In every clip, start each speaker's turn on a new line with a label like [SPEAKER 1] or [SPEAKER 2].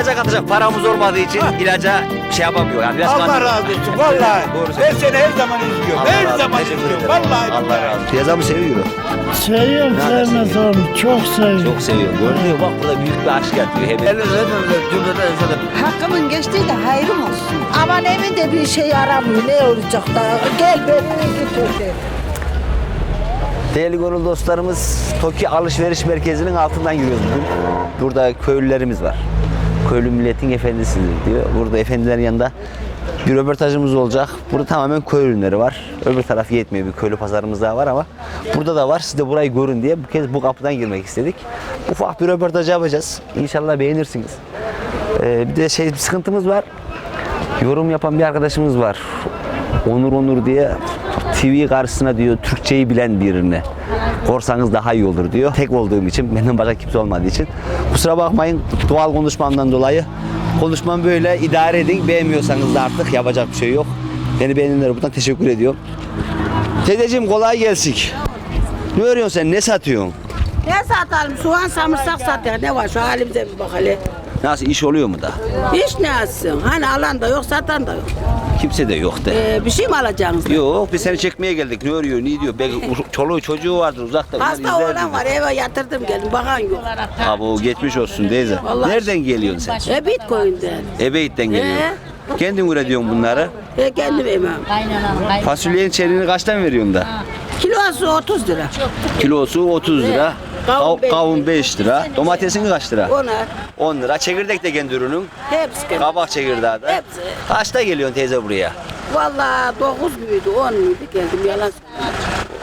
[SPEAKER 1] İlaca katacak paramız olmadığı için ilaca şey yapamıyor. Yani
[SPEAKER 2] Allah razı olsun vallahi. Ben seni her zaman izliyorum. Her zaman izliyorum. Vallahi.
[SPEAKER 1] Allah razı olsun. Piyazamı seviyor.
[SPEAKER 3] Seviyorum, sevmez oğlum. Çok seviyorum.
[SPEAKER 1] Çok seviyorum. Görünüyor bak burada büyük bir aşk yatıyor. Hemen.
[SPEAKER 4] Hakkımın geçtiği de hayrım olsun. Aman evinde bir şey aramıyor. Ne olacak da? Gel beni götür.
[SPEAKER 1] Değerli gönül dostlarımız, TOKİ Alışveriş Merkezi'nin altından yürüyoruz bugün. Burada köylülerimiz var. Köylü milletin efendisidir diyor. Burada efendilerin yanında bir röportajımız olacak. Burada tamamen köy ürünleri var. Öbür taraf yetmiyor, bir köylü pazarımız daha var ama burada da var. Siz de burayı görün diye bu kez bu kapıdan girmek istedik. Ufak bir röportaj yapacağız. İnşallah beğenirsiniz. Bir de bir sıkıntımız var. Yorum yapan bir arkadaşımız var. Onur diye TV karşısına diyor Türkçeyi bilen birine korsanız daha iyi olur diyor. Tek olduğum için, benden başka kimse olmadığı için. Kusura bakmayın doğal konuşmamdan dolayı. Konuşmam böyle, idare edin. Beğenmiyorsanız da artık yapacak bir şey yok. Beni beğenenlere buradan teşekkür ediyorum. Teyzeciğim kolay gelsin. Ne örüyorsun sen? Ne satıyorsun?
[SPEAKER 5] Ne satalım? Soğan, samırsak satıyor. Ne var? Şu halimize bir bak hele.
[SPEAKER 1] Nasıl, iş oluyor mu da?
[SPEAKER 5] Hiç ne alsın? Hani alan da yok, satan da yok.
[SPEAKER 1] Kimse de yok de.
[SPEAKER 5] Bir şey mi alacaksınız?
[SPEAKER 1] Yok, biz seni çekmeye geldik. Ne örüyor, ne diyor? Belki çoluğu çocuğu vardır uzakta. bunlar
[SPEAKER 5] Hasta
[SPEAKER 1] izler
[SPEAKER 5] olan
[SPEAKER 1] bizi.
[SPEAKER 5] var, eve yatırdım geldim. Bakan yok.
[SPEAKER 1] Abi o geçmiş olsun teyze.
[SPEAKER 5] Vallahi.
[SPEAKER 1] Nereden geliyorsun sen?
[SPEAKER 5] Bitcoin'den.
[SPEAKER 1] Ebeyt'ten geliyorsun. Kendin üretiyorsun bunları.
[SPEAKER 5] Kendim yemem.
[SPEAKER 1] Fasulyenin çeliğini kaçtan veriyorsun da?
[SPEAKER 5] Kilosu 30 lira.
[SPEAKER 1] Kilosu 30 lira. Kavun 5 lira. Domatesin kaç lira?
[SPEAKER 5] Ona
[SPEAKER 1] 10 lira. Çekirdek de kendi ürünün.
[SPEAKER 5] hepsi kendim.
[SPEAKER 1] Kabak çekirdeği de.
[SPEAKER 5] Hepsi.
[SPEAKER 1] Kaçta geliyorsun teyze buraya?
[SPEAKER 5] Vallahi 9 müydü, 10 muydu geldim yalan söyleyeyim.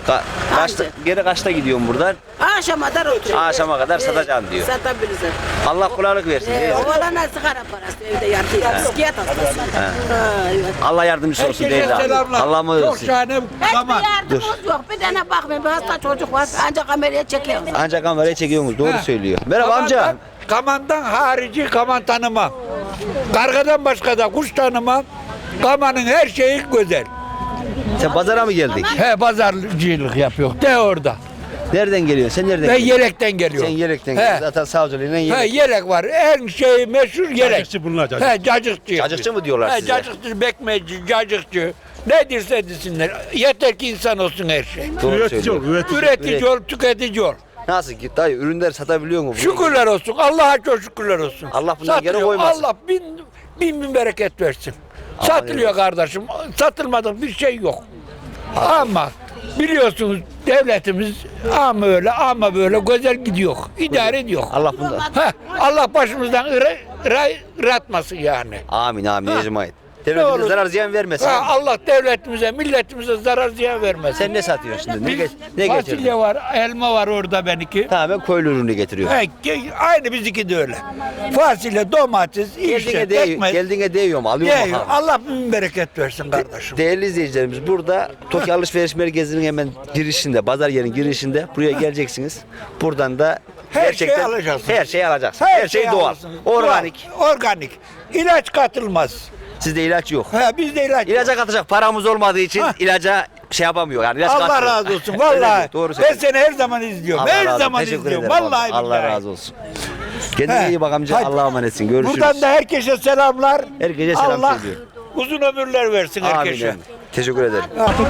[SPEAKER 1] Kaçta, geri kaçta gidiyorsun buradan?
[SPEAKER 5] Akşama kadar oturuyorum.
[SPEAKER 1] Akşama kadar satacağım diyor.
[SPEAKER 5] Satabiliriz.
[SPEAKER 1] Allah kolaylık versin teyze.
[SPEAKER 5] Oğlana sigara parası evde yatıyor. Psikiyat hastası. Evet.
[SPEAKER 1] Allah yardımcısı olsun
[SPEAKER 2] Herkese
[SPEAKER 1] teyze.
[SPEAKER 2] selamlar.
[SPEAKER 1] Allah mı
[SPEAKER 2] Çok
[SPEAKER 1] versin?
[SPEAKER 2] şahane
[SPEAKER 5] Hiçbir
[SPEAKER 2] kaman.
[SPEAKER 5] yardımımız yok. Bir tane bakmayın. Bir hasta çocuk var. Ancak kameraya çekiyoruz.
[SPEAKER 1] Ancak kameraya çekiyorsunuz. Doğru söylüyor. Merhaba amca.
[SPEAKER 2] Kamandan harici kaman tanımam. Kargadan başka da kuş tanımam. Kamanın her şeyi güzel.
[SPEAKER 1] Sen pazara mı geldik?
[SPEAKER 2] He pazarcılık yapıyor. De orada.
[SPEAKER 1] Nereden geliyorsun? Sen nereden
[SPEAKER 2] Ben
[SPEAKER 1] geliyorsun?
[SPEAKER 2] yelekten geliyorum.
[SPEAKER 1] Sen yelekten
[SPEAKER 2] He.
[SPEAKER 1] geliyorsun. Zaten savcılığıyla
[SPEAKER 2] He
[SPEAKER 1] yelek.
[SPEAKER 2] yelek var. En şey meşhur yelek.
[SPEAKER 6] Cacıkçı bunlar, cacık.
[SPEAKER 2] He cacıkçı.
[SPEAKER 1] Cacıkçı mı diyorlar
[SPEAKER 2] He
[SPEAKER 1] size?
[SPEAKER 2] cacıkçı, bekmeci, cacıkçı. Ne dirse desinler. Yeter ki insan olsun her şey.
[SPEAKER 1] Doğru
[SPEAKER 6] Üretici
[SPEAKER 1] söylüyor.
[SPEAKER 6] ol, üretici.
[SPEAKER 2] Üretici ol, tüketici ol.
[SPEAKER 1] Nasıl ki dayı ürünler satabiliyor mu?
[SPEAKER 2] Şükürler olsun. Allah'a çok şükürler olsun.
[SPEAKER 1] Allah bundan geri
[SPEAKER 2] Satılıyor.
[SPEAKER 1] koymasın.
[SPEAKER 2] Allah bin bereket versin. Satılıyor kardeşim. Satılmadık bir şey yok. Ama biliyorsunuz devletimiz ama öyle ama böyle güzel gidiyor. İdare ediyor.
[SPEAKER 1] Allah bundan.
[SPEAKER 2] Allah başımızdan ıratmasın yani.
[SPEAKER 1] Amin amin
[SPEAKER 2] Ha.
[SPEAKER 1] ecmaîn.
[SPEAKER 2] Ne
[SPEAKER 1] Devletimize
[SPEAKER 2] olur.
[SPEAKER 1] zarar ziyan vermesin.
[SPEAKER 2] Allah devletimize, milletimize zarar ziyan vermesin.
[SPEAKER 1] Sen ne satıyorsun şimdi? Ne
[SPEAKER 2] Fasulye
[SPEAKER 1] getirdin?
[SPEAKER 2] var, elma var orada benimki.
[SPEAKER 1] Tamamen köylü ürünü getiriyor.
[SPEAKER 2] Aynı bizimki de öyle. Fasulye, domates, işte, ekmek.
[SPEAKER 1] Geldiğine değiyor mu? Alıyor mu?
[SPEAKER 2] Değiyor. Allah bin bereket versin kardeşim.
[SPEAKER 1] Değerli izleyicilerimiz burada TOKİ Alışveriş Merkezi'nin hemen girişinde, pazar yerinin girişinde buraya geleceksiniz. Buradan da
[SPEAKER 2] Her
[SPEAKER 1] gerçekten
[SPEAKER 2] şeyi alacaksınız.
[SPEAKER 1] her şeyi alacaksınız. Her şey doğal,
[SPEAKER 2] alırsınız.
[SPEAKER 1] organik.
[SPEAKER 2] Doğal, organik. İlaç katılmaz.
[SPEAKER 1] Sizde ilaç yok.
[SPEAKER 2] Bizde ilaç.
[SPEAKER 1] İlaca katacak paramız olmadığı için ilaca şey yapamıyor. Yani ilaç
[SPEAKER 2] Allah
[SPEAKER 1] katmıyor.
[SPEAKER 2] razı olsun. Vallahi.
[SPEAKER 1] Evet, doğru
[SPEAKER 2] Ben
[SPEAKER 1] söylüyorsun.
[SPEAKER 2] seni her zaman izliyorum.
[SPEAKER 1] Allah razı
[SPEAKER 2] Her
[SPEAKER 1] olsun.
[SPEAKER 2] zaman
[SPEAKER 1] Teşekkür
[SPEAKER 2] izliyorum.
[SPEAKER 1] ederim.
[SPEAKER 2] Vallahi
[SPEAKER 1] Allah
[SPEAKER 2] billahi.
[SPEAKER 1] razı olsun. Kendine iyi bak amca.
[SPEAKER 2] Hadi.
[SPEAKER 1] Allah'a emanetsin. Görüşürüz.
[SPEAKER 2] Buradan da herkese selamlar.
[SPEAKER 1] Herkese selam
[SPEAKER 2] Allah
[SPEAKER 1] söylüyor.
[SPEAKER 2] uzun ömürler versin
[SPEAKER 1] Amin.
[SPEAKER 2] herkese.
[SPEAKER 1] amin. Teşekkür ederim.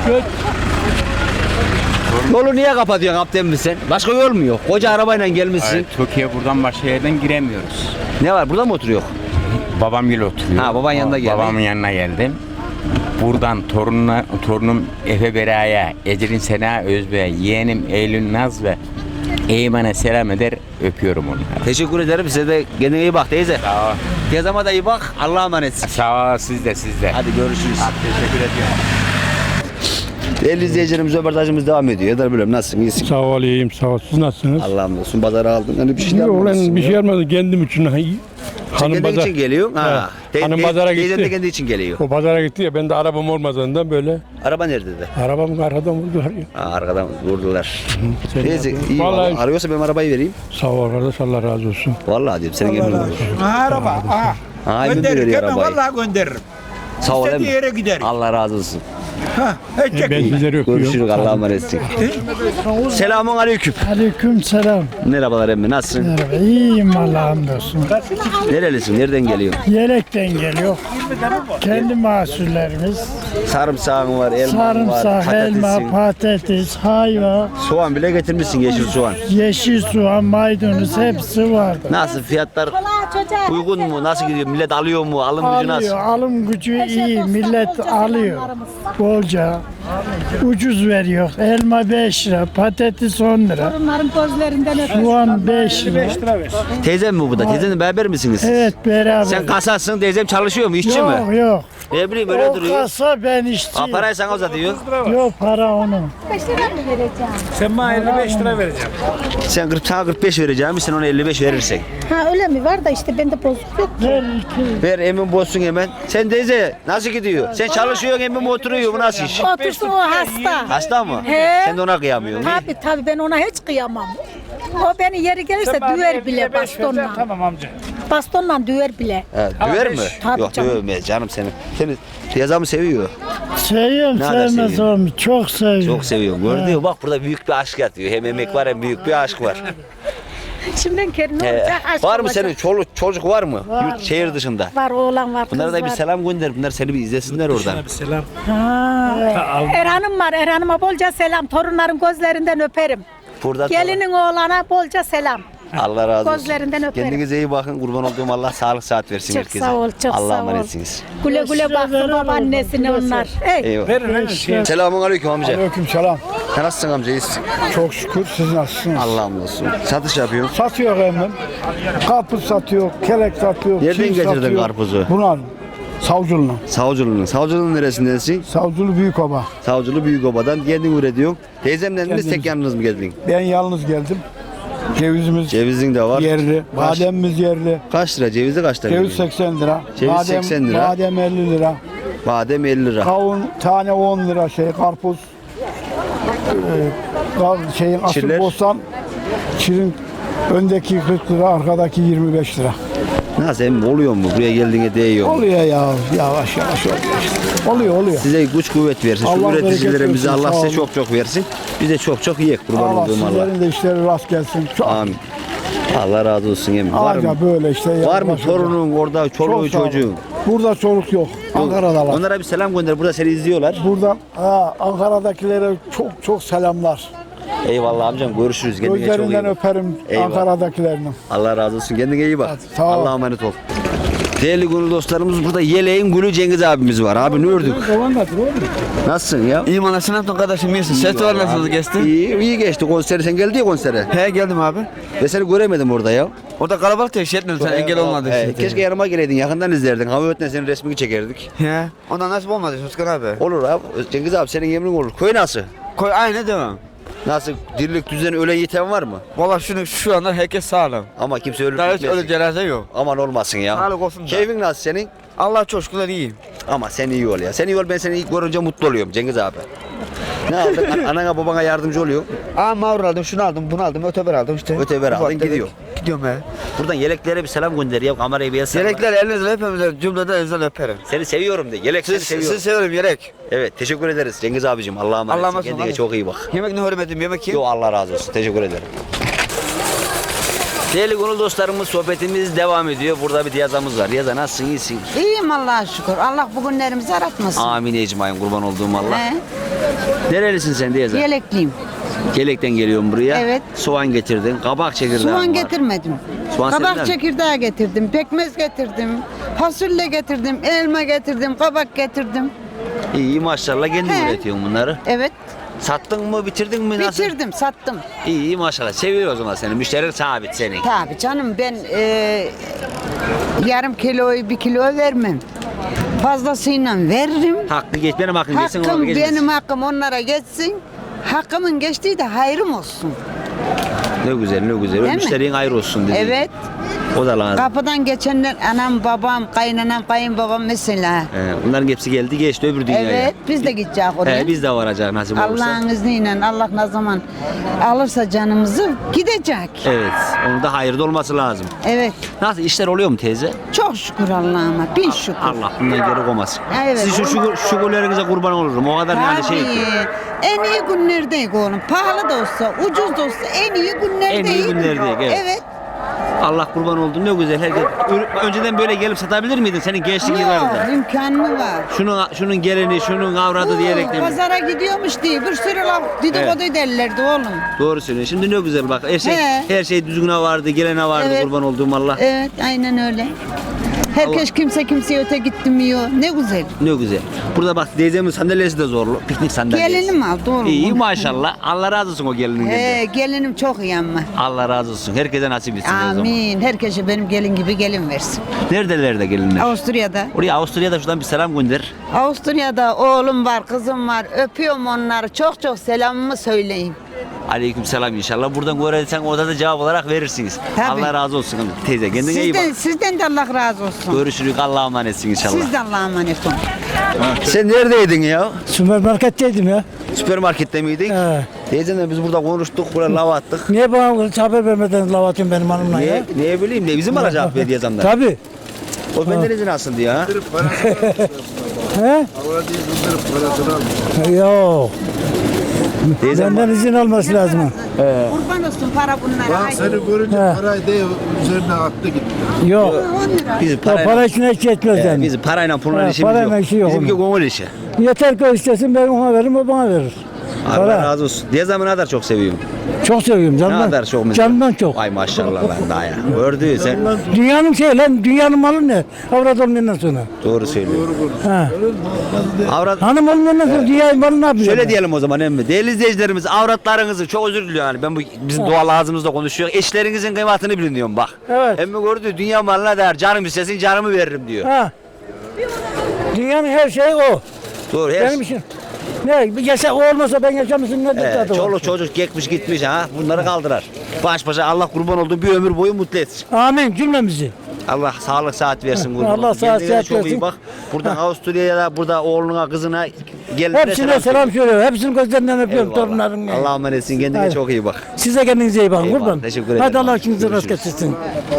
[SPEAKER 1] Yolu niye kapatıyorsun Abdem sen? Başka yol mu yok? Koca arabayla gelmişsin.
[SPEAKER 7] Hayır, Türkiye buradan başka yerden giremiyoruz.
[SPEAKER 1] Ne var? Burada mı oturuyor?
[SPEAKER 7] Babam ile oturuyor.
[SPEAKER 1] Ha, baban yanına geldi.
[SPEAKER 7] Babamın yanına geldim. Buradan torunum Efe Bera'ya, Ecrin Sena Özbey'e, yeğenim Eylül Naz ve Eymen'e selam eder, öpüyorum onları.
[SPEAKER 1] Teşekkür ederim. Size de kendine iyi bak teyze.
[SPEAKER 7] Sağ ol.
[SPEAKER 1] Yazama da iyi bak. Allah'a emanetsin.
[SPEAKER 7] Sağ ol, siz de.
[SPEAKER 1] Hadi görüşürüz.
[SPEAKER 7] Teşekkür ediyorum.
[SPEAKER 1] Değerli izleyicilerimiz röportajımız devam ediyor. Eder bölüm nasılsın? İyisin.
[SPEAKER 6] Sağ ol, iyiyim, sağ ol. Siz nasılsınız?
[SPEAKER 1] Allah'ım olsun. Pazara aldın. Hani bir şey
[SPEAKER 6] Yok
[SPEAKER 1] yapmamışsın
[SPEAKER 6] ulan bir
[SPEAKER 1] ya.
[SPEAKER 6] şey yapmadım kendim için. Hanım
[SPEAKER 1] Kendin
[SPEAKER 6] pazar.
[SPEAKER 1] için geliyor. Ha.
[SPEAKER 6] Hanım pazara
[SPEAKER 1] Teyzen de
[SPEAKER 6] gitti.
[SPEAKER 1] kendi için geliyor.
[SPEAKER 6] O pazara gitti ya ben de arabam olmadığından böyle
[SPEAKER 1] Araba nerede de?
[SPEAKER 6] arabamı arkadan vurdular ya.
[SPEAKER 1] Ha, arkadan vurdular.
[SPEAKER 6] Sen
[SPEAKER 1] Teyze
[SPEAKER 6] yapıyorsun.
[SPEAKER 1] iyi.
[SPEAKER 6] Vallahi
[SPEAKER 1] Vallahi. Arıyorsa benim arabayı vereyim.
[SPEAKER 6] sağ ol kardeş Allah razı olsun.
[SPEAKER 1] Vallahi diyorum. Senin emin olur.
[SPEAKER 2] Araba.
[SPEAKER 1] Ha, emin
[SPEAKER 2] Gönderirim.
[SPEAKER 1] veriyor
[SPEAKER 2] Hemen
[SPEAKER 1] arabayı.
[SPEAKER 2] vallahi gönderirim.
[SPEAKER 1] Sağ ol.
[SPEAKER 2] İstediği
[SPEAKER 1] emmi.
[SPEAKER 2] yere giderim.
[SPEAKER 1] Allah razı olsun.
[SPEAKER 6] Ben sizleri öpüyorum.
[SPEAKER 1] Görüşürüz. Allah'a emanetsin. Selamun aleyküm.
[SPEAKER 3] Aleyküm selam.
[SPEAKER 1] Merhabalar emmi. Nasılsın?
[SPEAKER 3] Merhaba. İyiyim Allah'a hamdolsun.
[SPEAKER 1] Nerelisin? Nereden geliyorsun?
[SPEAKER 3] Yelekten geliyor. Kendi mahsullerimiz.
[SPEAKER 1] Sarımsağın var, elman var,
[SPEAKER 3] Sarımsak,
[SPEAKER 1] patatesin.
[SPEAKER 3] elma, patates, hayva,
[SPEAKER 1] Soğan bile getirmişsin, yeşil soğan.
[SPEAKER 3] yeşil soğan, maydanoz hepsi vardı.
[SPEAKER 1] Nasıl fiyatlar uygun mu? Nasıl gidiyor? Millet alıyor mu? Alım gücü nasıl?
[SPEAKER 3] Alıyor, alım gücü iyi. Millet alıyor. Bolca. Ucuz veriyor. Elma 5 lira, patates 10 lira.
[SPEAKER 5] Onların gözlerinden
[SPEAKER 3] Soğan 5 lira.
[SPEAKER 1] Teyzem mi bu da? Teyzenle beraber misiniz?
[SPEAKER 3] Evet beraber.
[SPEAKER 1] Sen kasasın, teyzem çalışıyor mu? İşçi
[SPEAKER 3] Yok
[SPEAKER 1] mi?
[SPEAKER 3] yok.
[SPEAKER 1] Ne bileyim öyle
[SPEAKER 3] O
[SPEAKER 1] duruyor.
[SPEAKER 3] kasa ben işçiyim.
[SPEAKER 1] Parayı sana uzatıyor.
[SPEAKER 3] Yok para onun.
[SPEAKER 6] Sen bana 55 lira vereceğim.
[SPEAKER 1] Sana 45 vereceğim, sen ona 55 verirsen.
[SPEAKER 4] Ha öyle mi? Var da işte bende bozuk yok.
[SPEAKER 3] Ver iki.
[SPEAKER 1] Ver emin bozsun hemen. Sen teyze nasıl gidiyor? Sen çalışıyorsun emin mi oturuyor? Bu nasıl iş?
[SPEAKER 4] Otursun o hasta.
[SPEAKER 1] Hasta mı?
[SPEAKER 4] He.
[SPEAKER 1] Sen de ona kıyamıyorsun.
[SPEAKER 4] Tabii ben ona hiç kıyamam. O beni yeri gelirse düver bile bastonla.
[SPEAKER 6] Tamam amca.
[SPEAKER 4] Bastonla düver bile.
[SPEAKER 1] He, döver mi?
[SPEAKER 4] Tabii
[SPEAKER 1] Yok
[SPEAKER 4] canım.
[SPEAKER 1] dövmez canım seni. Seni teyzem seviyor.
[SPEAKER 3] Seviyorum
[SPEAKER 1] Nerede
[SPEAKER 3] sevmez
[SPEAKER 1] seviyorsun?
[SPEAKER 3] olmuş. Çok seviyorum.
[SPEAKER 1] Çok seviyorum. Gördün mü? Bak burada büyük bir aşk yatıyor. Hem emek var hem büyük bir aşk var.
[SPEAKER 4] Şimdi kendine
[SPEAKER 1] He.
[SPEAKER 4] olacak aşk
[SPEAKER 1] Var mı
[SPEAKER 4] olacak.
[SPEAKER 1] senin çocuk var mı? Yurt, şehir dışında.
[SPEAKER 4] Var oğlan var kız
[SPEAKER 1] Bunlara da bir
[SPEAKER 4] var.
[SPEAKER 1] selam gönder. Bunlar seni bir izlesinler oradan.
[SPEAKER 4] Erhan'ım var. Erhan'ıma bolca selam. Torunların gözlerinden öperim.
[SPEAKER 1] Burada
[SPEAKER 4] Gelinin oğlana bolca selam.
[SPEAKER 1] Allah razı olsun.
[SPEAKER 4] Gözlerinden öperim.
[SPEAKER 1] Kendinize iyi bakın. Kurban olduğum Allah sağlık saat versin
[SPEAKER 4] Çok
[SPEAKER 1] herkese.
[SPEAKER 4] sağ ol, çok
[SPEAKER 1] Allah'a
[SPEAKER 4] sağ ol.
[SPEAKER 1] emanetsiniz.
[SPEAKER 4] Güle güle baksın babaannesine onlar. Ey.
[SPEAKER 1] Eyvallah. Selamun aleyküm amca.
[SPEAKER 3] Aleyküm selam.
[SPEAKER 1] Sen nasılsın amca? İyisin.
[SPEAKER 3] Çok şükür siz nasılsınız?
[SPEAKER 1] Allah'ım olsun. Satış yapıyorsun.
[SPEAKER 3] Satıyor hemen. Karpuz satıyor, kelek satıyor.
[SPEAKER 1] Nereden
[SPEAKER 3] çiğ
[SPEAKER 1] getirdin
[SPEAKER 3] satıyor.
[SPEAKER 1] karpuzu?
[SPEAKER 3] Bunlar. Savcılı'nın.
[SPEAKER 1] Savcılığın. Savcılığın neresindensin?
[SPEAKER 3] Savcılı Büyükova.
[SPEAKER 1] Savcılığı Büyükoba'dan kendin üretiyorsun. Teyzemle mi tek yalnız mı geldin?
[SPEAKER 3] Ben yalnız geldim. Cevizimiz
[SPEAKER 1] Cevizin de var.
[SPEAKER 3] yerli,
[SPEAKER 1] Kaç-
[SPEAKER 3] bademimiz yerli.
[SPEAKER 1] Kaç lira? Cevizi kaç lira?
[SPEAKER 3] Ceviz 80 lira.
[SPEAKER 1] Ceviz
[SPEAKER 3] badem,
[SPEAKER 1] 80 lira.
[SPEAKER 3] Badem 50 lira.
[SPEAKER 1] Badem 50 lira.
[SPEAKER 3] Kavun tane 10 lira karpuz. Asıl
[SPEAKER 1] Çiller?
[SPEAKER 3] bostan. Çirin öndeki 40 lira, arkadaki 25 lira.
[SPEAKER 1] Nasıl emmi oluyor mu? Buraya geldiğine değiyor mu?
[SPEAKER 3] Oluyor ya, yavaş yavaş oluyor işte. Oluyor.
[SPEAKER 1] Size güç kuvvet versin. Şu
[SPEAKER 3] Allah
[SPEAKER 1] üreticilerimize
[SPEAKER 3] bereket
[SPEAKER 1] Allah
[SPEAKER 3] versin,
[SPEAKER 1] size
[SPEAKER 3] sağ olun.
[SPEAKER 1] çok versin. Bize çok yiyek kurban
[SPEAKER 3] Allah
[SPEAKER 1] olduğum Allah.
[SPEAKER 3] sizlerin de işleri rast gelsin. Çok
[SPEAKER 1] Amin. Allah razı olsun emmi. Var mı?
[SPEAKER 3] Ağaca böyle işte.
[SPEAKER 1] Var mı
[SPEAKER 3] yavaş
[SPEAKER 1] torunun orada çoluğu
[SPEAKER 3] Çok sağ olun.
[SPEAKER 1] çocuğun?
[SPEAKER 3] Burada çocuk yok. Ankara'dalar.
[SPEAKER 1] Onlara bir selam gönder. Burada seni izliyorlar.
[SPEAKER 3] Buradan Ankara'dakilere çok selamlar.
[SPEAKER 1] Eyvallah amcam. Görüşürüz. Kendine çok iyi
[SPEAKER 3] Gözlerinden
[SPEAKER 1] bak.
[SPEAKER 3] öperim
[SPEAKER 1] Eyvallah.
[SPEAKER 3] Ankara'dakilerinin.
[SPEAKER 1] Allah razı olsun. Kendine iyi bak.
[SPEAKER 3] sağ ol.
[SPEAKER 1] Allah'a emanet ol. Değerli gönül dostlarımız burada Yeleğin Gülü Cengiz abimiz var. Abi ne ördük? Nasılsın ya?
[SPEAKER 8] İyiyim anasını yaptın kardeşim iyisin. Ses var nasıl geçti?
[SPEAKER 1] İyi geçti konseri. Sen geldin ya konsere.
[SPEAKER 8] He geldim abi.
[SPEAKER 1] Ve seni göremedim orada ya.
[SPEAKER 8] Orada kalabalık da etmedin sen engel olmadı işte.
[SPEAKER 1] Keşke yanıma geleydin. Yakından izlerdin. Hava ötüne senin resmini çekerdik.
[SPEAKER 8] He. Ondan nasip olmadı Özkan abi.
[SPEAKER 1] Olur abi. Cengiz abi senin yemin olur. Köy nasıl?
[SPEAKER 8] Koy aynı devam.
[SPEAKER 1] Nasıl? Dirlik düzen ölen yiten var mı?
[SPEAKER 8] Valla şu anda herkes sağlam.
[SPEAKER 1] Ama kimse ölüp
[SPEAKER 8] Daha hiç
[SPEAKER 1] gitmesin.
[SPEAKER 8] öyle cenaze yok.
[SPEAKER 1] Aman olmasın ya.
[SPEAKER 8] Sağlık olsun da.
[SPEAKER 1] Keyfin nasıl senin?
[SPEAKER 8] Allah çok şükürler iyiyim.
[SPEAKER 1] Ama sen iyi ol ya. Sen iyi ol, ben seni ilk görünce mutlu oluyorum Cengiz abi. Ne aldın? Anana babana yardımcı oluyor.
[SPEAKER 8] Aa mağrur aldım, şunu aldım, bunu aldım, öteber aldım işte.
[SPEAKER 1] Öteber aldın,
[SPEAKER 8] Ufak tefek
[SPEAKER 1] gidiyor.
[SPEAKER 8] Gidiyorum he.
[SPEAKER 1] Buradan yeleklere bir selam gönder ya. Kamerayı bir yaslan.
[SPEAKER 8] Yelekler elinizle hepimizle cümleden elinizden öperim.
[SPEAKER 1] Seni seviyorum de. Yelek seni seviyorum.
[SPEAKER 8] Sizi severim yelek.
[SPEAKER 1] Evet, teşekkür ederiz Cengiz abicim. Allah'a emanet.
[SPEAKER 8] Allah'a emanet
[SPEAKER 1] Kendine
[SPEAKER 8] olun.
[SPEAKER 1] çok iyi bak.
[SPEAKER 8] Yemek ne hürmetim, yemek yiyeyim.
[SPEAKER 1] Yo, Allah razı olsun. Teşekkür ederim. Değerli gönül dostlarımız, sohbetimiz devam ediyor. Burada bir Diyaza'mız var. Diyaza nasılsın? İyisin?
[SPEAKER 9] İyiyim Allah'a şükür. Allah bugünlerimizi aratmasın.
[SPEAKER 1] Amin ecmaîn, kurban olduğum Allah.
[SPEAKER 9] He,
[SPEAKER 1] Nerelisin sen Diyaza?
[SPEAKER 9] yelekliyim.
[SPEAKER 1] Gelekten geliyorum buraya.
[SPEAKER 9] Evet.
[SPEAKER 1] Soğan getirdin. Kabak çekirdeği var.
[SPEAKER 9] Soğan getirmedim.
[SPEAKER 1] Soğan senden mi?
[SPEAKER 9] Kabak çekirdeği getirdim. Pekmez getirdim. Fasulye getirdim. Elma getirdim. Kabak getirdim.
[SPEAKER 1] İyi maşallah kendin
[SPEAKER 9] He.
[SPEAKER 1] üretiyorsun bunları.
[SPEAKER 9] Evet.
[SPEAKER 1] Sattın mı bitirdin mi nasıl?
[SPEAKER 9] Bitirdim. Sattım.
[SPEAKER 1] İyi maşallah. Seviyor o zaman seni. Müşterin sabit senin.
[SPEAKER 9] Tabii canım ben yarım kiloyu 1 kilo vermem. Fazlasıyla veririm.
[SPEAKER 1] Hakkı geç. Benim hakkım geçsin.
[SPEAKER 9] Hakkım
[SPEAKER 1] ona geçmesin.
[SPEAKER 9] benim hakkım onlara geçsin. Hakkımın geçtiği de hayrım olsun.
[SPEAKER 1] Ne güzel ne güzel.
[SPEAKER 9] Değil mi?
[SPEAKER 1] Müşterinin ayrı olsun dedi.
[SPEAKER 9] Evet.
[SPEAKER 1] O da lazım.
[SPEAKER 9] Kapıdan geçenler anam, babam, kaynanam, kayınbabam mesela.
[SPEAKER 1] Bunların hepsi geldi geçti öbür dünyaya.
[SPEAKER 9] Evet, biz de gideceğiz oraya.
[SPEAKER 1] Biz de varacağız nasip olursa.
[SPEAKER 9] Allah'ın izniyle Allah ne zaman alırsa canımızı gidecek.
[SPEAKER 1] Evet. Onun da hayırlı olması lazım.
[SPEAKER 9] Evet.
[SPEAKER 1] Nasıl işler oluyor mu teyze?
[SPEAKER 9] Çok şükür Allah'ıma. Bin şükür.
[SPEAKER 1] Allah bundan geri koymasın.
[SPEAKER 9] Evet.
[SPEAKER 1] Siz şu şükürlerinize kurban olurum. O kadar yani şey
[SPEAKER 9] Tabii.
[SPEAKER 1] ki.
[SPEAKER 9] En iyi günlerdeyiz oğlum. Pahalı da olsa, ucuz da olsa en iyi günlerdeyiz.
[SPEAKER 1] En iyi günlerdeyiz, evet.
[SPEAKER 9] Evet.
[SPEAKER 1] Allah kurban oldu ne güzel. Herkes önceden böyle gelip satabilir miydin senin gençlik yıllarında?
[SPEAKER 9] Yok, imkan mı var?
[SPEAKER 1] Şunun geleni, şunun avradı diyerek de.
[SPEAKER 9] Pazara gidiyormuş diye bir sürü laf dedikodu derlerdi oğlum.
[SPEAKER 1] Doğru söylüyorsun. Şimdi ne güzel bak.
[SPEAKER 9] He.
[SPEAKER 1] Her şey düzgüne vardı, gelene vardı
[SPEAKER 9] Evet.
[SPEAKER 1] kurban olduğum Allah.
[SPEAKER 9] Evet, aynen öyle. Herkes kimseye öte gitmiyor. Ne güzel.
[SPEAKER 1] Ne güzel. Burada bak teyzemin sandalyesi de zorlu. Piknik sandalyesi.
[SPEAKER 9] Gelinim aldı oğlum.
[SPEAKER 1] İyi maşallah. Allah razı olsun o gelinin geldi.
[SPEAKER 9] Gelinim çok iyi ama.
[SPEAKER 1] Allah razı olsun. Herkese nasip etsin o zaman.
[SPEAKER 9] Amin. Herkese benim gelin gibi gelin versin.
[SPEAKER 1] Neredeler de gelinler?
[SPEAKER 9] Avusturya'da.
[SPEAKER 1] Oraya Avusturya'da şuradan bir selam gönder.
[SPEAKER 9] Avusturya'da oğlum var, kızım var. Öpüyorum onları. Çok çok selamımı söyleyeyim.
[SPEAKER 1] Aleyküm selam inşallah. Buradan görürsen orada da cevap olarak verirsiniz.
[SPEAKER 9] Tabii.
[SPEAKER 1] Allah razı olsun teyze. Kendine iyi bak.
[SPEAKER 9] Sizden de Allah razı olsun.
[SPEAKER 1] Görüşürüz. Allah'a emanetsin inşallah.
[SPEAKER 9] Siz de Allah'a emanet olun.
[SPEAKER 1] Sen neredeydin ya?
[SPEAKER 3] Süpermarketteydim ya.
[SPEAKER 1] Süpermarkette miydik?
[SPEAKER 3] He.
[SPEAKER 1] Teyzemle biz burada konuştuk, buraya lava attık.
[SPEAKER 3] Niye bana haber vermeden lav atıyorsun benim hanımla ya?
[SPEAKER 1] Niye bileyim ne bizim alacak belediye zamdan.
[SPEAKER 3] Tabii.
[SPEAKER 1] O benden izin alsın diyor ha.
[SPEAKER 3] He? Yok.
[SPEAKER 1] Teyzem
[SPEAKER 3] Benden izin alması lazım.
[SPEAKER 9] Kurban olsun para bunlara. Haydi.
[SPEAKER 6] Seni görünce
[SPEAKER 3] He.
[SPEAKER 6] parayı değil üzerine attı gitti.
[SPEAKER 3] Yok.
[SPEAKER 9] 10 lira.
[SPEAKER 1] bizim
[SPEAKER 3] O para içine hiç yetmez yani.
[SPEAKER 1] bizim parayla pulla
[SPEAKER 3] He,
[SPEAKER 1] işimiz
[SPEAKER 3] parayla
[SPEAKER 1] yok.
[SPEAKER 3] işi yok
[SPEAKER 1] Bizimki
[SPEAKER 3] onun.
[SPEAKER 1] gönül işi.
[SPEAKER 3] Yeter ki o istesin ben ona veririm o bana verir.
[SPEAKER 1] Allah
[SPEAKER 3] Para.
[SPEAKER 1] razı olsun. Teyzemi ne kadar çok seviyorum.
[SPEAKER 3] Çok seviyorum
[SPEAKER 1] Ne
[SPEAKER 3] canımdan.
[SPEAKER 1] kadar çok mesela.
[SPEAKER 3] Canımdan çok.
[SPEAKER 1] Ay maşallah lan daha ya. Gördün sen.
[SPEAKER 3] Dünyanın şey lan dünyanın malı ne? Avrat olmayandan sonra.
[SPEAKER 1] Doğru söylüyor.
[SPEAKER 3] Ha.
[SPEAKER 1] Avrat
[SPEAKER 3] Hanım olmayandan sonra dünyanın malı ne yapıyor?
[SPEAKER 1] Şöyle diyelim o zaman emmi. Değerli izleyicilerimiz avratlarınızı çok özür diliyorum yani ben bu bizim doğal ağzımızda konuşuyor. Eşlerinizin kıymetini bilin diyorum bak.
[SPEAKER 3] Evet.
[SPEAKER 1] Emmi gördü dünya malına değer canım istesin canımı veririm diyor.
[SPEAKER 3] Ha. Dünyanın her şeyi o.
[SPEAKER 1] Doğru her
[SPEAKER 3] Benim için. Ne? Bir yaşa o olmasa ben yaşamışım ne tadı var?
[SPEAKER 1] çoluk çocuk gekmiş gitmiş ha bunları kaldırar. Baş başa Allah kurban olduğum bir ömür boyu mutlu etsin.
[SPEAKER 3] Amin cümlemizi.
[SPEAKER 1] Allah sağlık saat versin kurban.
[SPEAKER 3] Allah
[SPEAKER 1] olsun.
[SPEAKER 3] sağlık
[SPEAKER 1] Kendine
[SPEAKER 3] saat
[SPEAKER 1] çok iyi
[SPEAKER 3] versin.
[SPEAKER 1] bak. Buradan Avusturya'ya da burada oğluna kızına gelinlere
[SPEAKER 3] Hepsine selam söylüyorum. Hepsinin gözlerinden öpüyorum torunların.
[SPEAKER 1] Allah'a emanetsin kendine
[SPEAKER 3] Hayır.
[SPEAKER 1] çok iyi bak.
[SPEAKER 3] Siz de kendinize iyi bakın
[SPEAKER 1] Eyvallah,
[SPEAKER 3] kurban.
[SPEAKER 1] teşekkür ederim.
[SPEAKER 3] Hadi Allah işinizi rast
[SPEAKER 1] Görüşürüz.
[SPEAKER 3] getirsin.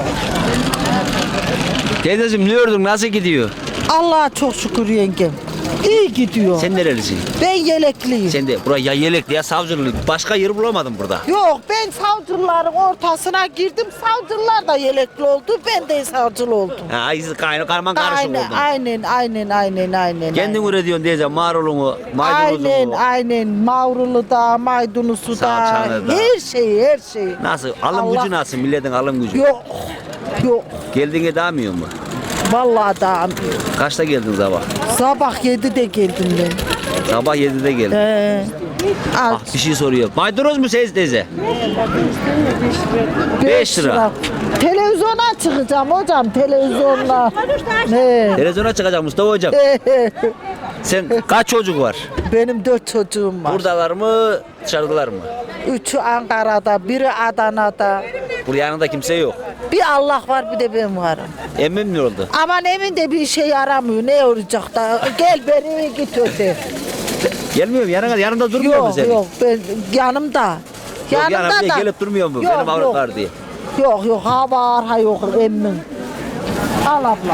[SPEAKER 1] Teyzeciğim ne gördün nasıl gidiyor?
[SPEAKER 4] Allah'a çok şükür yengem. İyi gidiyor.
[SPEAKER 1] Sen nerelisin?
[SPEAKER 4] Ben yelekliyim.
[SPEAKER 1] Sen de buraya ya Yelekli ya Savcılı. Başka yer bulamadım burada.
[SPEAKER 4] Yok ben savcıların ortasına girdim. Savcılar da yelekli oldu. Ben de savcılı oldum.
[SPEAKER 1] Ha, karman karışık
[SPEAKER 4] Aynen,
[SPEAKER 1] oldun.
[SPEAKER 4] aynen.
[SPEAKER 1] Kendin üretiyorsun teyze marulunu,
[SPEAKER 4] Aynen,
[SPEAKER 1] maydanozunu.
[SPEAKER 4] aynen. Mavrulu da, maydanozu da.
[SPEAKER 1] Salçanı da.
[SPEAKER 4] Her şeyi.
[SPEAKER 1] Nasıl? Alım
[SPEAKER 4] Allah-
[SPEAKER 1] gücü nasıl? Milletin alım gücü.
[SPEAKER 4] Yok, yok.
[SPEAKER 1] Geldiğine dağmıyor mu?
[SPEAKER 4] Vallahi da.
[SPEAKER 1] Kaçta geldin sabah?
[SPEAKER 4] Sabah 7'de geldim ben.
[SPEAKER 1] Sabah 7'de geldin.
[SPEAKER 4] Al.
[SPEAKER 1] Bir şey soruyor. Maydanoz mu Seyit teyze? 5 lira.
[SPEAKER 4] Televizyona çıkacağım hocam, televizyonla. He.
[SPEAKER 1] Televizyona çıkacak Mustafa hocam. Sen kaç çocuk var?
[SPEAKER 4] Benim 4 çocuğum var.
[SPEAKER 1] Buradalar mı, dışarıdalar mı?
[SPEAKER 4] 3'ü Ankara'da, biri Adana'da.
[SPEAKER 1] Burada yanında kimse yok.
[SPEAKER 4] Bir Allah var, bir de ben varım.
[SPEAKER 1] Emmim ne oldu?
[SPEAKER 4] Aman evinde bir şey yaramıyor, ne olacak da. Gel beni git öte.
[SPEAKER 1] Gelmiyor mu? Yanında durmuyor mu
[SPEAKER 4] Yok
[SPEAKER 1] senin?
[SPEAKER 4] yok, ben yanımda.
[SPEAKER 1] Yok, yanımda gelip durmuyor mu?
[SPEAKER 4] Yok,
[SPEAKER 1] Benim avrat
[SPEAKER 4] yok.
[SPEAKER 1] var diye.
[SPEAKER 4] Yok, ha var, ha yok emmin. Al abla.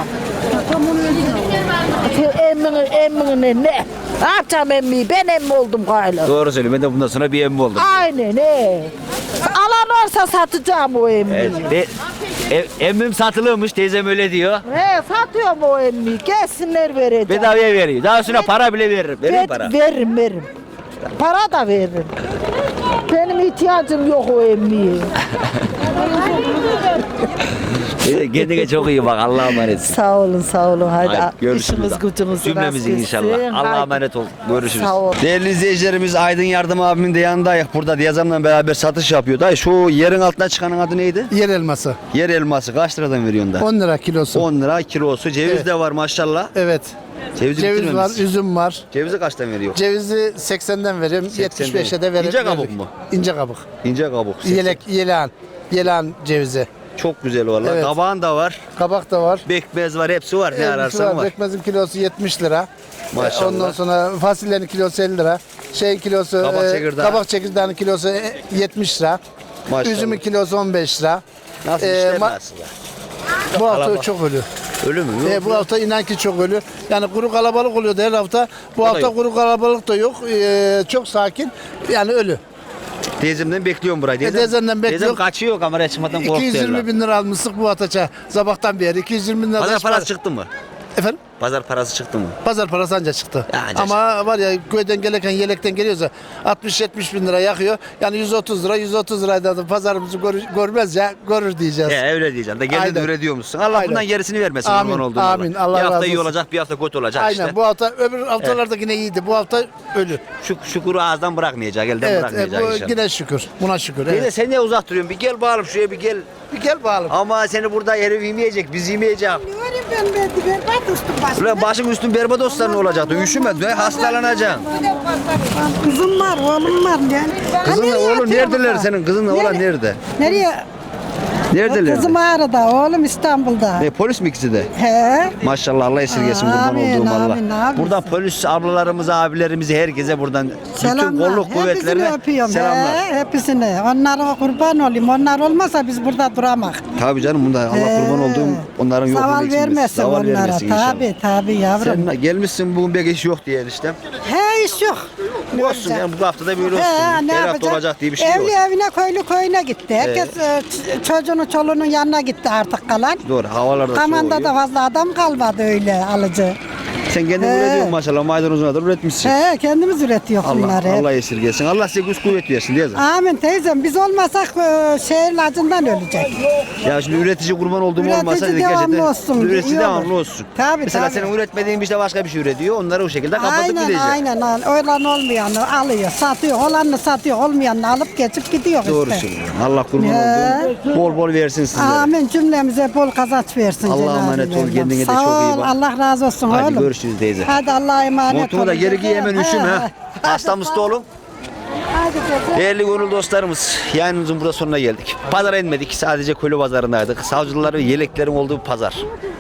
[SPEAKER 4] Emmini ne? Ne yapacağım emmiyi? Ben emmi oldum galiba.
[SPEAKER 1] Doğru söylüyorum. Ben de bundan sonra bir emmi oldum.
[SPEAKER 4] Aynen alan varsa satacağım o emmiyi.
[SPEAKER 1] Evet. Emmim satılıyormuş. Teyzem öyle diyor.
[SPEAKER 4] He satıyorum o emmiyi. Gelsinler vereceğim.
[SPEAKER 1] Bedavaya veriyor. Daha sonra para bile veririm. Verir mi para?
[SPEAKER 4] Veririm. Para da veririm. Benim ihtiyacım yok o emmiye.
[SPEAKER 1] Kendine çok iyi bak. Allah'a emanetsin.
[SPEAKER 4] Sağ olun. Hadi,
[SPEAKER 1] Hadi görüşürüz.
[SPEAKER 4] işimiz gücümüz
[SPEAKER 1] Cümlemizin
[SPEAKER 4] rast
[SPEAKER 1] inşallah.
[SPEAKER 4] gitsin.
[SPEAKER 1] Allah'a
[SPEAKER 4] Haydi.
[SPEAKER 1] emanet ol. Görüşürüz.
[SPEAKER 4] Sağ ol.
[SPEAKER 1] Değerli izleyicilerimiz Aydın Yardım abimin de yanındayız. Burada Diyazam'la beraber satış yapıyor. Dayı şu yerin altına çıkanın adı neydi?
[SPEAKER 6] Yer elması.
[SPEAKER 1] Yer elması. Kaç liradan veriyorsun da?
[SPEAKER 6] 10 lira kilosu.
[SPEAKER 1] 10 lira kilosu. Ceviz
[SPEAKER 6] Evet.
[SPEAKER 1] de var maşallah.
[SPEAKER 6] Evet.
[SPEAKER 1] Cevizi
[SPEAKER 6] Ceviz var,
[SPEAKER 1] bitirmemişsin.
[SPEAKER 6] üzüm var.
[SPEAKER 1] Cevizi kaçtan veriyor?
[SPEAKER 6] Cevizi 80'den veriyorum,
[SPEAKER 1] 80'den.
[SPEAKER 6] 75'e de veririm.
[SPEAKER 1] İnce kabuk mu?
[SPEAKER 6] İnce kabuk.
[SPEAKER 1] İnce kabuk.
[SPEAKER 6] Yelan cevizi.
[SPEAKER 1] Çok güzel valla.
[SPEAKER 6] Evet.
[SPEAKER 1] Kabağın da var.
[SPEAKER 6] Kabak da var.
[SPEAKER 1] Bekmez var. Hepsi var. Ne ararsan var.
[SPEAKER 6] Pekmezin kilosu 70 lira.
[SPEAKER 1] Maşallah.
[SPEAKER 6] Ondan sonra fasulyenin kilosu 50 lira. Şeyin kilosu, kabak çekirdeğinin kilosu 70 lira.
[SPEAKER 1] Maşallah.
[SPEAKER 6] Üzümün kilosu 15 lira.
[SPEAKER 1] Nasıl
[SPEAKER 6] Ee,
[SPEAKER 1] işler
[SPEAKER 6] ma-
[SPEAKER 1] nasıl?
[SPEAKER 6] Bu hafta
[SPEAKER 1] Kalabalık.
[SPEAKER 6] çok ölü.
[SPEAKER 1] Ölü mü? Yok.
[SPEAKER 6] Bu hafta inan ki çok ölü. Yani kuru kalabalık oluyordu her hafta. Bu
[SPEAKER 1] da
[SPEAKER 6] hafta
[SPEAKER 1] yok.
[SPEAKER 6] kuru kalabalık da yok. Çok sakin. Yani ölü.
[SPEAKER 1] Teyzemden bekliyorum burayı.
[SPEAKER 6] Teyzemden bekliyorum.
[SPEAKER 1] Teyzem kaçıyor kameraya çıkmadan korktu.
[SPEAKER 6] 220 bin lira almıştık bu hafta sabahtan beri. 220 bin lira.
[SPEAKER 1] Pazar parası çıktı mı?
[SPEAKER 6] Efendim?
[SPEAKER 1] Pazar parası çıktı mı?
[SPEAKER 6] Pazar parası anca çıktı.
[SPEAKER 1] Ya anca
[SPEAKER 6] Ama var ya köyden gelirken yelekten geliyorsa 60-70 bin lira yakıyor. Yani 130 lira 130 lirayla da pazarımızı görmez ya görür diyeceğiz.
[SPEAKER 1] Öyle diyeceğim. Da kendin
[SPEAKER 6] Aynen.
[SPEAKER 1] üretiyor musun? Allah
[SPEAKER 6] Aynen.
[SPEAKER 1] bundan gerisini vermesin.
[SPEAKER 6] Amin,
[SPEAKER 1] kurban olduğum
[SPEAKER 6] amin.
[SPEAKER 1] Allah.
[SPEAKER 6] Allah
[SPEAKER 1] Bir hafta
[SPEAKER 6] razı
[SPEAKER 1] iyi
[SPEAKER 6] olsun.
[SPEAKER 1] olacak, bir hafta kötü olacak
[SPEAKER 6] Aynen
[SPEAKER 1] işte.
[SPEAKER 6] bu hafta öbür haftalarda yine iyiydi. Bu hafta ölü.
[SPEAKER 1] Şu kuru ağızdan bırakmayacak, elden
[SPEAKER 6] Evet
[SPEAKER 1] bırakmayacak
[SPEAKER 6] bu
[SPEAKER 1] inşallah.
[SPEAKER 6] yine şükür. Buna şükür.
[SPEAKER 1] Teyze
[SPEAKER 6] Evet.
[SPEAKER 1] sen niye uzak duruyorsun? Bir gel bağırıp şuraya bir gel.
[SPEAKER 6] Bir gel bakalım.
[SPEAKER 1] Ama seni burada herif yemeyecek, biz yemeyeceğiz.
[SPEAKER 4] Göreyim ben berbat üstüm başım.
[SPEAKER 1] Ulan başın üstün berbat olsa ne olacaktı? Üşüme, be, hastalanacaksın.
[SPEAKER 4] Kızım var, oğlum var yani.
[SPEAKER 1] Kızınla oğlum neredeler senin? Kızınla oğlan nerede?
[SPEAKER 4] Nereye?
[SPEAKER 1] Neredeler?
[SPEAKER 4] Kızım Ağrı'da, oğlum İstanbul'da.
[SPEAKER 1] Polis mi ikisi de?
[SPEAKER 4] He.
[SPEAKER 1] Maşallah Allah esirgesin kurban
[SPEAKER 4] Amin,
[SPEAKER 1] olduğum Allah.
[SPEAKER 4] amin, amin.
[SPEAKER 1] Buradan polis ablalarımıza, abilerimize, herkese buradan bütün
[SPEAKER 4] Selamlar.
[SPEAKER 1] kolluk kuvvetlerine
[SPEAKER 4] Hepsini öpüyorum.
[SPEAKER 1] selamlar.
[SPEAKER 4] He, hepsini. Onlara kurban olayım. Onlar olmasa biz burada duramak.
[SPEAKER 1] Tabii canım bunda Allah kurban olduğum onların yokluğunu
[SPEAKER 4] Zaval
[SPEAKER 1] eksilmesin.
[SPEAKER 4] vermesin
[SPEAKER 1] Zaval
[SPEAKER 4] onlara.
[SPEAKER 1] vermesin inşallah.
[SPEAKER 4] Tabii yavrum.
[SPEAKER 1] Sen gelmişsin bugün bir iş yok diye işte.
[SPEAKER 4] He iş yok.
[SPEAKER 1] Olsun yani bu haftada böyle olsun.
[SPEAKER 4] He, ne
[SPEAKER 1] Her hafta
[SPEAKER 4] yapacak?
[SPEAKER 1] olacak diye bir şey
[SPEAKER 4] Evli
[SPEAKER 1] yok.
[SPEAKER 4] evine köylü köyüne gitti. Herkes çocuğunu çoluğunun yanına gitti artık kalan.
[SPEAKER 1] Doğru havalarda
[SPEAKER 4] Kamanda
[SPEAKER 1] soğuyor.
[SPEAKER 4] da fazla adam kalmadı öyle alıcı.
[SPEAKER 1] Sen kendin
[SPEAKER 4] He.
[SPEAKER 1] üretiyorsun maşallah maydanozuna da üretmişsin.
[SPEAKER 4] He kendimiz üretiyoruz bunları.
[SPEAKER 1] Allah esirgesin. Allah size güç kuvvet versin diye.
[SPEAKER 4] Amin teyzem biz olmasak şehir acından ölecek.
[SPEAKER 1] Ya şimdi üretici kurban olduğum
[SPEAKER 4] Üretici
[SPEAKER 1] olmasa
[SPEAKER 4] devamlı olsun,
[SPEAKER 1] Üretici
[SPEAKER 4] iyi olur.
[SPEAKER 1] devamlı olsun.
[SPEAKER 4] Tabii,
[SPEAKER 1] Mesela
[SPEAKER 4] tabii.
[SPEAKER 1] senin üretmediğin bir şey başka bir şey üretiyor. Onları o şekilde kapatıp gideceğiz.
[SPEAKER 4] Aynen. Olan olmayanı alıyor, satıyor. Olanı satıyor, olmayanı alıp geçip gidiyor
[SPEAKER 1] Doğru
[SPEAKER 4] işte.
[SPEAKER 1] söylüyorsun. Allah kurban
[SPEAKER 4] He.
[SPEAKER 1] olduğum bol bol versin sizlere.
[SPEAKER 4] Amin cümlemize bol kazanç versin.
[SPEAKER 1] Allah'a
[SPEAKER 4] Cenab-ı
[SPEAKER 1] emanet ol,
[SPEAKER 4] Mevlam.
[SPEAKER 1] kendine de
[SPEAKER 4] Sağ
[SPEAKER 1] çok iyi
[SPEAKER 4] ol,
[SPEAKER 1] bak.
[SPEAKER 4] Allah razı olsun
[SPEAKER 1] Hadi
[SPEAKER 4] oğlum.
[SPEAKER 1] görüşürüz teyze.
[SPEAKER 4] Hadi Allah'a emanet
[SPEAKER 1] Montumu da
[SPEAKER 4] olun.
[SPEAKER 1] geri giy hemen üşüme ha. Hasta mısta oğlum.
[SPEAKER 4] Hadi teyze.
[SPEAKER 1] Değerli gönül dostlarımız, yayınımızın burada sonuna geldik. Pazara inmedik, sadece köylü pazarındaydık. Savcılar ve yeleklerin olduğu bir pazar.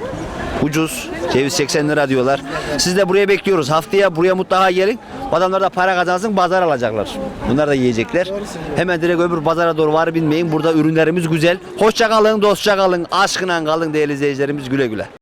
[SPEAKER 1] Ucuz, ceviz 80 lira diyorlar. Siz de buraya bekliyoruz. Haftaya buraya mutlaka gelin. Adamlar da para kazansın, pazar alacaklar. Bunlar da yiyecekler. Hemen direkt öbür pazara doğru var binmeyin. Burada ürünlerimiz güzel. Hoşça kalın, dostça kalın, aşkına kalın değerli izleyicilerimiz, güle güle.